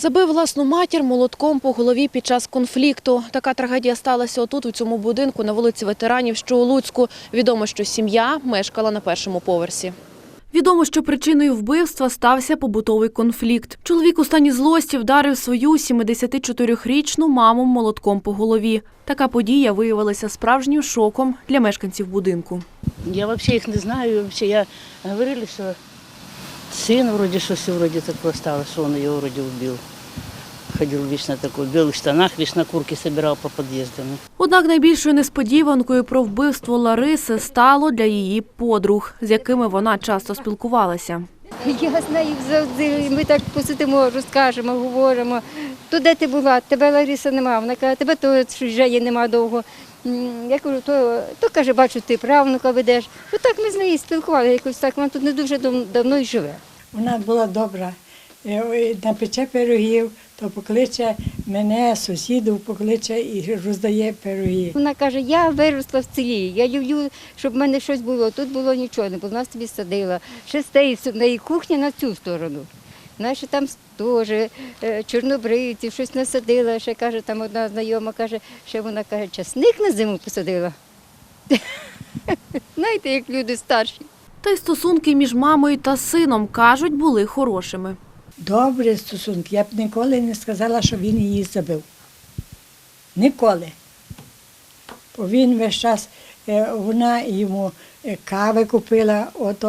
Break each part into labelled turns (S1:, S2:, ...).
S1: Забив власну матір молотком по голові під час конфлікту. Така трагедія сталася отут, у цьому будинку на вулиці Ветеранів, що у Луцьку. Відомо, що сім'я мешкала на першому поверсі. Відомо, що причиною вбивства стався побутовий конфлікт. Чоловік у стані злості вдарив свою 74-річну маму молотком по голові. Така подія виявилася справжнім шоком для мешканців будинку.
S2: Я взагалі їх не знаю. Я говорили, що син вроді щось такого стало, що він його вроді вбив. Ходив вічно такий, в білих штанах, вічно курки збирав по під'їздам.
S1: Однак найбільшою несподіванкою про вбивство Лариси стало для її подруг, з якими вона часто спілкувалася.
S3: Я з нею завжди, ми так посидимо, розкажемо, говоримо. То де ти була? Тебе Лариса нема. Вона каже, тебе то вже є нема довго. Я кажу, то каже, бачу, ти правнука ведеш. Так ми з нею спілкувалися, якось так, вона тут не дуже давно й живе.
S4: Вона була добра, напече пирогів, то покличе мене, сусідів покличе і роздає пироги.
S3: Вона каже, я виросла в селі, я люблю, щоб в мене щось було. Тут було нічого, не було, нас тобі садила. Ще з неї кухня на цю сторону. Знаєш, там теж чорнобривців, щось насадила. Ще каже, там одна знайома каже, ще вона каже, часник на зиму посадила. Знаєте, як люди старші.
S1: Та й стосунки між мамою та сином, кажуть, були хорошими.
S4: Добрі стосунки. Я б ніколи не сказала, що він її забив. Ніколи. Бо він весь час, вона йому кави купила,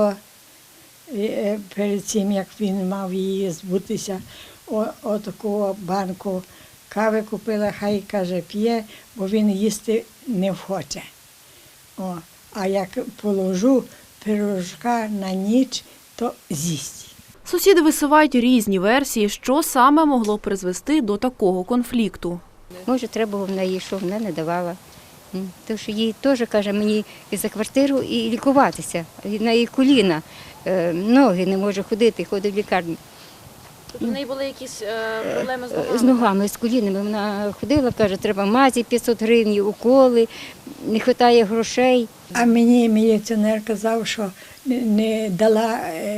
S4: перед цим, як він мав її збутися, отаку банку кави купила, хай, каже, п'є, бо він їсти не хоче. А як положу пирожка на ніч, то з'їсть.
S1: Сусіди висувають різні версії, що саме могло призвести до такого конфлікту.
S3: Може, треба було в неї, що вона не давала. Тому що їй теж, каже, мені і за квартиру, і лікуватися. На її коліна, ноги не може ходити, ходить в лікарню.
S1: Тобто в неї були якісь проблеми з ногами?
S3: З ногами, з колінами. Вона ходила, каже, треба мазі 500 гривень, уколи, не вистачає грошей.
S4: А мені міліціонер казав, що не дала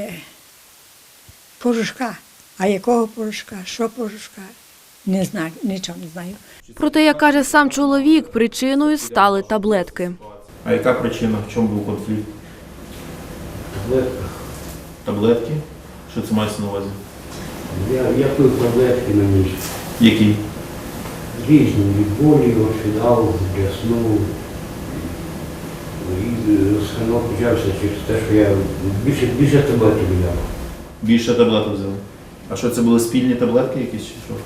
S4: порошка. А якого порошка? Що порошка? Не знаю, нічого не знаю.
S1: Проте, як каже сам чоловік, причиною стали таблетки.
S5: А яка причина? В чому був конфлікт? Таблетки? Що це мається на увазі?
S6: Я пив таблетки на ніч.
S5: Які?
S6: Різні, від болі, орфінал, для сну. І сканок почався через те, що я більше таблеток взяв.
S5: Більше таблеток взяли. А що, це були спільні таблетки якісь чи що?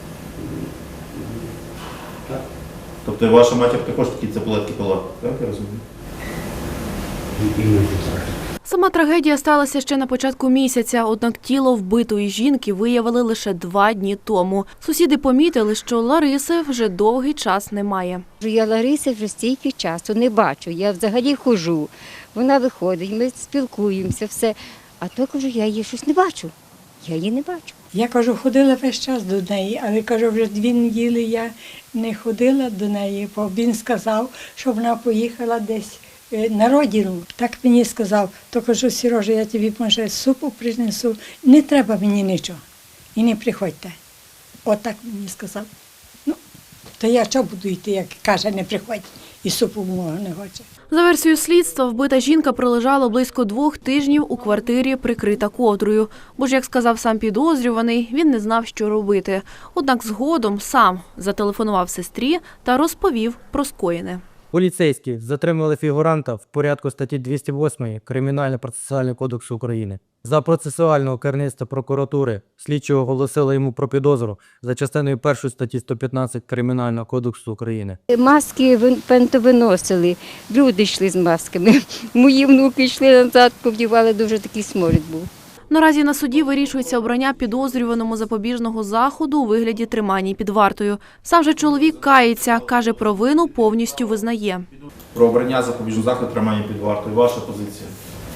S6: Так.
S5: Тобто ваша матір також такі таблетки пила, так я розумію?
S6: Іноді так.
S1: Сама трагедія сталася ще на початку місяця, однак тіло вбитої жінки виявили лише 2 дні тому. Сусіди помітили, що Лариси вже довгий час немає.
S3: Я Лариси вже стільки часу не бачу, я взагалі ходжу. Вона виходить, ми спілкуємося, все. А то, кажу, я її щось не бачу. Я її не бачу.
S4: Я, кажу, ходила весь час до неї, але, кажу, вже 2 неділі я не ходила до неї, бо він сказав, що вона поїхала десь на родину. Так мені сказав, то кажу, Сережа, я тобі, може, супу принесу, не треба мені нічого. І не приходьте. Отак мені сказав. Ну, то я що буду йти, як каже, не приходь, і супу мого не хоче.
S1: За версією слідства, вбита жінка пролежала близько 2 тижнів у квартирі, прикрита ковдрою. Бо ж, як сказав сам підозрюваний, він не знав, що робити. Однак згодом сам зателефонував сестрі та розповів про скоєне.
S7: Поліцейські затримали фігуранта в порядку статті 208 Кримінально-процесуального кодексу України. За процесуального керівництва прокуратури слідчі оголосили йому про підозру за частиною 1 статті 115 Кримінального кодексу України.
S3: Маски виносили, люди йшли з масками. Мої внуки йшли назад, повдівали, дуже такий сморід був.
S1: Наразі на суді вирішується обрання підозрюваному запобіжного заходу у вигляді тримання під вартою. Сам же чоловік кається, каже, провину повністю визнає.
S5: Про обрання запобіжного заходу тримання під вартою. Ваша позиція?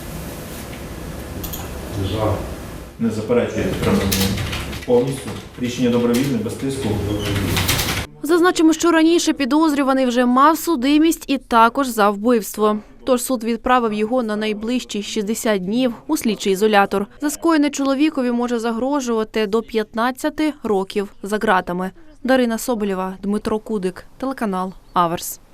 S6: За.
S5: Не заперечуєте тримання? Повністю? Рішення добровільне, без тиску?
S1: Зазначимо, що раніше підозрюваний вже мав судимість і також за вбивство. Тож суд відправив його на найближчі 60 днів у слідчий ізолятор. За скоєне чоловікові може загрожувати до 15 років за ґратами. Дарина Соболєва, Дмитро Кудик, телеканал Аверс.